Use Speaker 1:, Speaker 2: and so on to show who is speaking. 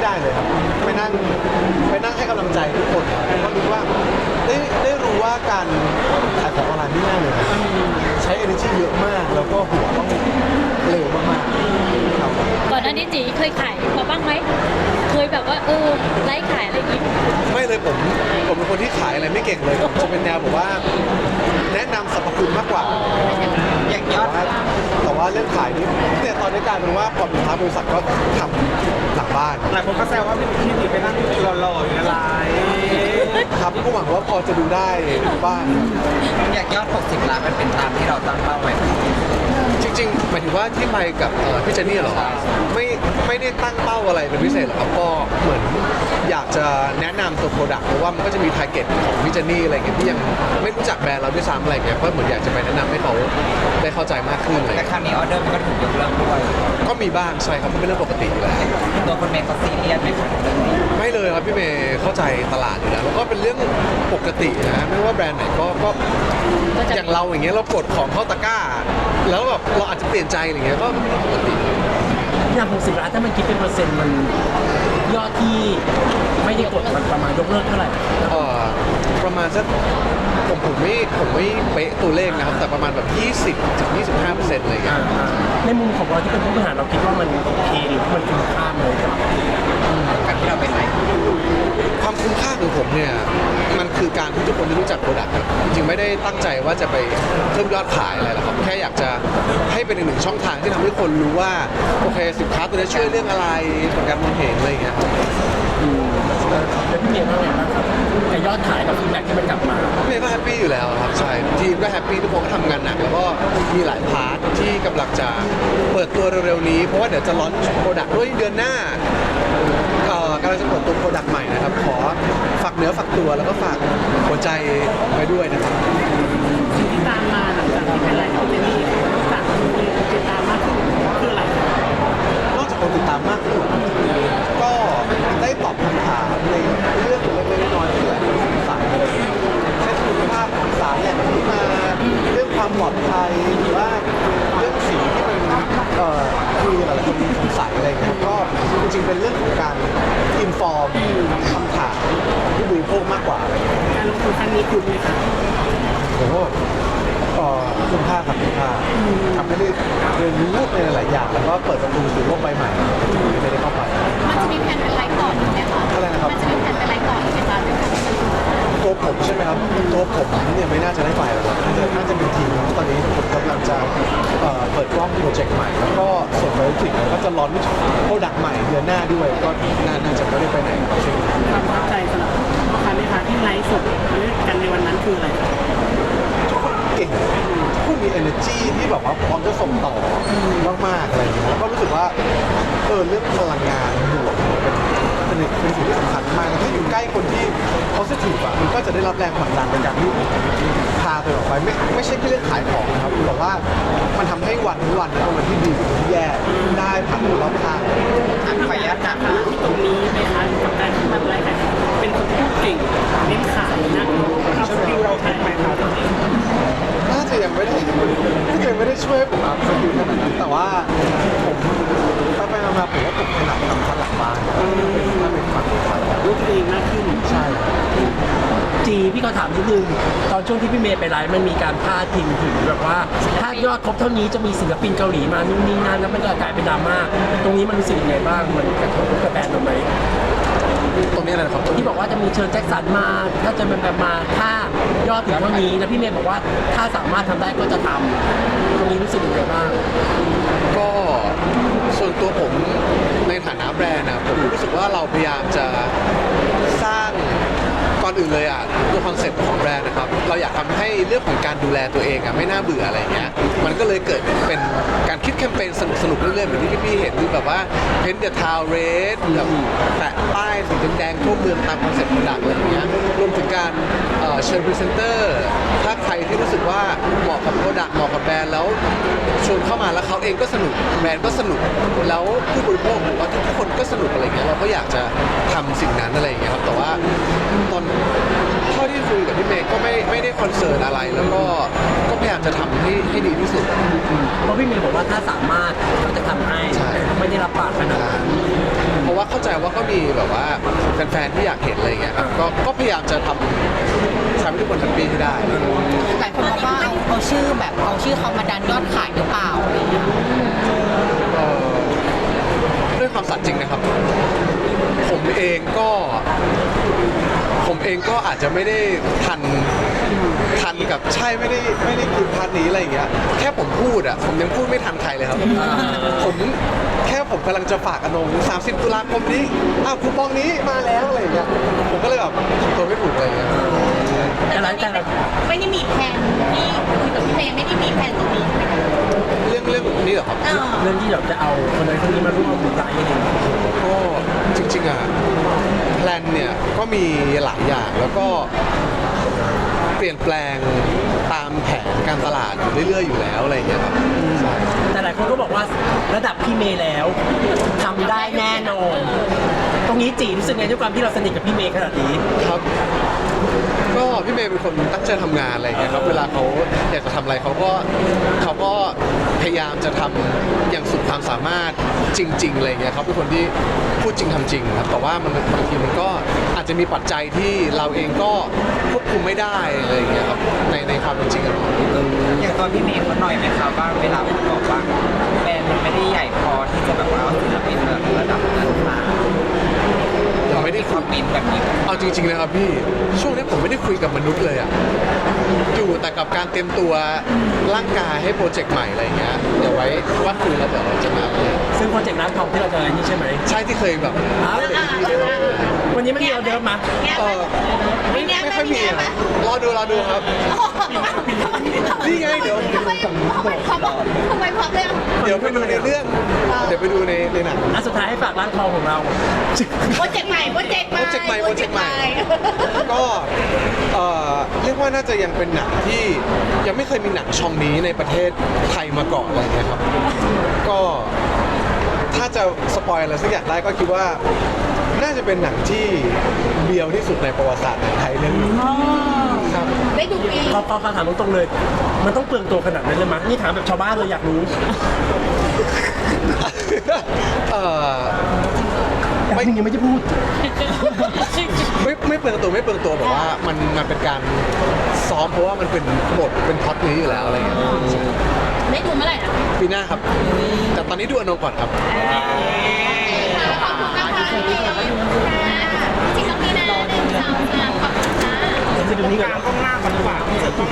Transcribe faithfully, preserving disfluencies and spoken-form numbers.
Speaker 1: ได้เลยครับไปนั่งไปนั่งให้กำลังใจทุกคนผมก็รู้ว่าได้ได้รู้ว่าการขายของออนไลน์ไม่ง่ายเลยนะใช้ energy เยอะมากแล้วก็หัวต้องเร็วมากๆครับ
Speaker 2: ก่อนหน้านี้จีเคยขายมาบ้างไหมเคยแบบว่าเออไลฟ์ขายอะไรอย่างงี้
Speaker 1: ไม่เลยผมผมเป็นคนที่ขายอะไรไม่เก่งเลยผมจะเป็นแนวแบบว่าแนะนำสรรพคุณมากกว่า
Speaker 3: อย่างยอด
Speaker 1: แต่ว่าแต่ว่าเรื่องขายนี่เนี่ยตอนนี้กลายเป็นว่าพอเป็นทางบริษัทก็ทำหลังบ้าน
Speaker 3: หลายคนก็แซวว่าพี่พี่ตีไปนั่งหล่อๆอยู่ในไลน์
Speaker 1: ครับก็หวังว่าพอจะดูได้บ้าง
Speaker 3: อยากยอดหกสิบล้านมันเป็นตามที่เราตั้งเป้าไว้
Speaker 1: จริงๆหมายถึงว่าที่ไปกับเอ่อพี่เจนนี่เหรอไม่ไม่ได้ตั้งเป้าอะไรเป็นพิเศษหรอกครับก็เหมือนอยากจะแนะนำตัวโปรดักต์เพราะว่ามันก็จะมีทาร์เก็ตของพี่เจนนี่อะไรเงี้ยที่ยังไม่รู้จักแบรนด์เราด้วยซ้ำอะไรเงี้ยก็เหมือนอยากจะไปแนะนำให้เขาได้เข้าใจมากขึ้นอะไร
Speaker 3: แต่
Speaker 1: เลย
Speaker 3: ครั้งนี้ออเดอร์มันก็ถูกยกเลิกด้วย
Speaker 1: ก็มีบ้างใช่ครับมันเป็นเรื่องปกติอยู่แล้ว
Speaker 3: ตัวคนเมย์เขาซีเรียสไหมคะเรื่องนี้
Speaker 1: ไม่เลยครับพี่เมย์เข้าใจตลาดอยู่แล้วแล้วก็เป็นเรื่องปกตินะไม่ว่าแบรนด์ไหนก็ก็
Speaker 2: ก็จะ
Speaker 1: อย่างเราอย่างเงี้ยเรากดของเข้าตะกร้า แล้วแบบเราอาจจะเปลี่ยนใจอะไรเงี้ยก็เป็นเรื่องปกติ
Speaker 4: อย่างหกสิบล้านถ้ามันคิดเป็นเปอร์เซ็นต์มันยอดที่ไม่ได้กดมันประมาณยกเลิกเท่าไหร่
Speaker 1: เอ่อประมาณสักผมผมไม่ผมไม่เป๊ะตัวเลขนะครับแต่ประมาณแบบยี่สิบถึงยี่สิบห้าเปอร์เซ็นต์อะไรเงี้ย
Speaker 4: ในมุมของเราที่เป็นผู้บริหารเราคิดว่ามันโอเคหรือมันคุ้มค่าไหมครับ
Speaker 3: การที่เราเป็นไลฟ์
Speaker 1: ความคุ้มค่าของผมเนี่ยมันคือการที่ทุกคนได้รู้จักโปรดักต์ครับจริงไม่ได้ตั้งใจว่าจะไปเพิ่มยอดขายอะไรหรอกครับแค่อยากจะให้เป็นอีกหนึ่งช่องทางที่ทำให้คนรู้ว่าโอเคสินค้าตัวนี้ช่วยเรื่องอะไรผลการมองเห็นอะไรอย่างเงี้ย
Speaker 4: แล้วพี่เมียว่าไงบ้างครับแต่ยอดขายกับฟีดแบ็กที่มันกลับมา
Speaker 1: เมย์ก็แฮปปี้อยู่แล้วครับใช่ทีมก็แฮปปี้ทุกคนก็ทำงานหนักแล้วก็มีหลายพาร์ทที่กำลังจะเปิดตัวเร็วๆนี้เพราะว่าเดี๋ยวจะร้อนโปรดักต์ด้วยเดือนหน้าเอ่อกำลังจะเปิดตัวโปรดักต์ใหม่นะครับขอฝากเนื้อฝากตัวแล้วก็ฝากหัวใจไว้ด้วยนะครับ
Speaker 5: สิ่งที่ตามมาหลังจากที่เป็นไลฟ์ของเจนนี่จากคนติดตามมากขึ้นคืออะไร
Speaker 1: นอกจากคนติดตามมากขึ้นก็ได้ตอบคำถามในเรื่องเล็กๆน้อยๆที่หลายคนสงสัยอะไรอย่างเงี้ยเช่นคุณภาพของสารแหล่งที่มาเรื่องความปลอดภัยหรือว่าเรื่องสีที่มันเอ่อคือหลายๆคนสงสัยอะไรอย่างเงี้ยก็จริงๆเป็นเรื่องของการอินฟอร์มคำถามของผู้บริโภคมากกว่า
Speaker 5: การลงทุนครั้งนี้คุ้มไหมคะ
Speaker 1: โอ้โหเอ่อคุ้มค่าครับคุ้มค่าทำให้ได้เรียนรู้ในหลายๆอย่างแล้วก็เปิดประตูสู่โลกใบใหม่ที่ไม่ได้เข้าไป
Speaker 2: มันจะมีแผนเป็นไลฟ์ต่ออีกไหมคะ
Speaker 1: อะไรนะครับ
Speaker 2: มันจะมีแผนเป็นไลฟ์ต่ออีกไหมคะเรื่องการลงทุน
Speaker 1: ตัวผมใช่ไหมครับตัวผมเนี่ยไม่น่าจะได้ไปหรอกครับน่าจะน่าจะมีทีมตอนนี้ผมกำลังจะเอ่อเปิดกล้องโปรเจกต์ใหม่แล้วก็ส่วนไบโอติกก็จะร้อนโปรดักต์ใหม่เดือนหน้าด้วยก็น่าน่าจะไม่ได้ไปไหนช่วงนี้
Speaker 5: ความประทับใจสำหรับพ่อค้าแม่ค้าที่ไลฟ์สดกันในวันนั้นคืออะไรครับ
Speaker 1: ทุกคนเก่งทุกคนมี energy ที่แบบว่าพร้อมจะส่งต่อมากๆอะไรอย่างเงี้ยแล้วก็รู้สึกว่าเออเรื่องพลังงานบวกเป็นเป็นเป็นสิ่งที่สำคัญมากถ้าอยู่ใกล้คนที่ positive อ่ะมันก็จะได้รับแรงผลักดันในการที่พาตัวออกไปไม่ไม่ใช่แค่เรื่องขายของนะครับแต่ว่ามันทำให้วันทุกวันเป็นวันที่ดีที่แย่ได้ผ่านคนรอบข้าง
Speaker 3: ขออนุญาตถาม
Speaker 5: ที่ตรงนี้ไหมคะกับการที่ทำไลฟ์ขายของเป็นคนพูดเก่งเน้นขายนะเอาสกิลเราแทนไหมครับ
Speaker 1: น่าจะยังไม่ได้น่าจะยังไม่ได้ช่วยผมอัพสกิลขนาดนั้นแต่ว่าผมไปไปๆมาๆผมว่าผมถนัดทำท่านหลังบ้านถ้าเป็นฝั่งไทย
Speaker 5: รู้ตัวเองมากขึ้น
Speaker 1: ใช่
Speaker 4: จีพี่ก็ถามนิดนึงตอนช่วงที่พี่เมย์ไปไลฟ์มันมีการพาดพิงถึงแบบว่าถ้ายอดครบเท่านี้จะมีศิลปินเกาหลีมานู่นนี่นั่นแล้วมันก็กลายเป็นดราม่าตรงนี้มันรู้สึกยังไงบ้างมันกระทบกับแบรนด์เราไหม
Speaker 1: ตรงนี้อะไรนะครับ
Speaker 4: ที่บอกว่าจะมีเชิญแจ็คสันมา ถ้าจะเป็นแบบมาถ้ายอดถึงเท่านี้แล้วพี่เมย์บอกว่าถ้าสามารถทำได้ก็จะทำตรงนี้รู้สึกยังไงบ้าง
Speaker 1: ก็ส่วนตัวผมในฐานะแบรนด์นะผมรู้สึกว่าเราพยายามจะสร้างก่อนอื่นเลยอ่ะตัวคอนเซ็ปต์ของแบรนด์นะครับเราอยากทำให้เรื่องของการดูแลตัวเองอ่ะไม่น่าเบื่ออะไรเงี้ยมันก็เลยเกิดเป็นการคิดแคมเปญสนุกๆเรื่อยๆเหมือนที่พี่ๆเห็นคือแบบว่าเพนเดอร์ทาวเรสแบบแปะป้ายสีแดงๆทั่วเมืองตามคอนเซ็ปต์ของดักอะไรอย่างเงี้ยรวมถึงการเอ่อเชิญพรีเซนเตอร์ถ้าใครที่รู้สึกว่าเหมาะกับโปรดักต์เหมาะกับแบรนด์แล้วชวนเข้ามาแล้วเขาเองก็สนุกแบรนด์ก็สนุกแล้วผู้บริโภคหรือว่าทุกๆคนก็สนุกอะไรเงี้ยเราก็อยากจะทำสิ่งนั้นอะไรอย่างเงี้ยครับแต่ว่าตอนเท่าที่คุยกับพี่เมย์ก็ไม่ไม่ได้คอนเซิร์นอะไรแล้วก็ก็พยายามจะทำให้ให้ดีที่สุด
Speaker 4: เพราะพี่เมย์บอกว่าถ้าสามารถก็จะทำให้
Speaker 1: ใช่
Speaker 4: ไม่ได้รับปากขนาดนั้น
Speaker 1: เพราะว่าเข้าใจว่าก็มีแบบว่าแฟนๆที่อยากเห็นอะไรอย่างเงี้ยครับก็ก็พยายามจะทำทำให้ทุกคนแฮปปี้ให้ได้
Speaker 6: หลายคนบอกว่าเอาเอาชื่อแบบเอาชื่อเขามาดันยอดขายหรือเปล่าอะไรอย่างเงี้ย
Speaker 1: เอ่อด้วยความสัตย์จริงนะครับ ผมเองก็ ผมเองก็อาจจะไม่ได้ทันทันกับใช่ไม่ได้ไม่ได้กินพาร์ทนี้อะไรอย่างเงี้ยแค่ผมพูดอ่ะผมยังพูดไม่ทันใครเลยครับ ผมแค่ผมกำลังจะฝากอนงสามสิบตุลาคมนี้อ้าวคูปองนี้มาแล้วอะไรอย่างเงี้ยผมก็เลยแบบทำตัวไม่ถูกอะไรอย่างเงี้ย
Speaker 4: แต่หลายแต่ละ
Speaker 6: ไม่ได้มีแผนที่คุยกับพี่เมย์ไม่ได้มีแผนตรงนี้ใช่ไหมคะ
Speaker 1: เรื่องเรื่องนี้เหรอครับ
Speaker 6: เออ
Speaker 4: เรื่องที่แบบจะเอาคนนั้นคนนี้มาร่วมไลฟ์อะไรอย่างเงี้ย
Speaker 1: ก็จริงๆอ่ะแพลนเนี่ยก็มีหลายอย่างแล้วก็เปลี่ยนแปลงตามแผนการตลาดอยู่เรื่อยๆอยู่แล้วอะไรอย่างเงี้ยครับใช่
Speaker 4: แต่หลายคนก็บอกว่าระดับพี่เมย์แล้วทำได้แน่นอน ตรงนี้จีรู้สึกไงด้วยความที่เราสนิทกับพี่เมย์ขนาดนี้
Speaker 1: ครับ ก็พี่เมย์เป็นคนตั้งใจทำงานอะไรอย่างเงี้ยครับเวลาเขาอยากจะทำอะไรเขาก็เขาก็พยายามจะทำอย่างสุดความสามารถจริงๆอะไรอย่างเงี้ยเขาเป็นคนที่พูดจริงทำจริงครับแต่ว่ามันบางทีมันก็อาจจะมีปัจจัยที่เราเองก็ควบคุมไม่ได้อะไรอย่างเงี้ยครับในในความเป็นจริงอะเนาะ
Speaker 3: อย่างตอนพี่เมย์เขาหน่อยไหมครับว่าเวลาพูดบอกว่าแบรนด์มันไม่ได้ใหญ่พอที่จะแบบว่าเอาศิลปินระดับนั้นมา
Speaker 1: ผมไม่ได้
Speaker 3: คอมเมนต์แบบนี้
Speaker 1: เอาจริงๆนะครับพี่ช่วงนี้ผมไม่ได้คุยกับมนุษย์เลยอะอยู่แต่กับการเตรียมตัวร่างกายให้โปรเจกต์ใหม่อะไรอย่างเงี้ยเดี๋ยวไว้ว่าคุยแล้วเดี๋ยวเราจะมาเลย
Speaker 4: ซึ่งโปรเจกต์ร้านทองที่เราจะนี่ใช่ไหม
Speaker 1: ใช่ที่เคยแบบ
Speaker 4: อ้าว
Speaker 1: เด็กพี่ได้ลอง
Speaker 4: วันนี้ไม่มีออเดิร์ฟมา
Speaker 1: เออไม่ไม่ค่อยมีอะรอดูรอดูครับ นี่ไงเดี๋ยว
Speaker 6: ทำไมทำไมพับทำไมพับเลยอ่ะ
Speaker 1: เดี๋ยวไปดูในเรื่อง เดี๋ยวไปดูในในหนัง
Speaker 4: อ่ะสุดท้ายให้ฝากร้านทองของเรา
Speaker 6: โปรเจกต์ใหม่โปรเจกต์ใหม่
Speaker 1: โปรเจกต์ใหม่โปรเจกต์ใหม่ ก็เอ่อเรียกว่าน่าจะยังเป็นหนังที่ยังไม่เคยมีหนังช่องนี้ในประเทศไทยมาก่อนอะไรเงี้ยครับ ก็ถ้าจะสปอยอะไรสักอย่างได้ก็คิดว่าน่าจะเป็นหนังที่เบียวที่สุดในประวัติศาสตร์หนังไทยเรื่องนี้ครับ
Speaker 6: ได้ดูปี
Speaker 4: พอพอถามตรงๆเลย มันต้องเปลืองตัวขนาดนั้นเลยมั้ยนี่ถามแบบชาวบ้านเลยอยากรู้
Speaker 1: เอ่อ
Speaker 4: แต่ไม่ยังไม่ได้พูด
Speaker 1: ไม่ไม่เปลืองตัวไม่เปลืองตัวแบบว่ามันมันเป็นการซ้อมเพราะว่ามันเป็นบทเป็นพล็อตนี้อยู่แล้วอะไรเงี้ย
Speaker 2: ได้ดูเมื่อไหร่นะ
Speaker 1: ปีหน้าครับ แต่ตอนนี้ดูอนงก่อนครับ
Speaker 6: ขอบคุณนะคะจริงๆต้องมีนะหนึ่งสองสามขอบคุณค่ะ
Speaker 4: จะดูนี่ก่อน
Speaker 5: ข้างหน้ากันดีกว่าที่จะต้อง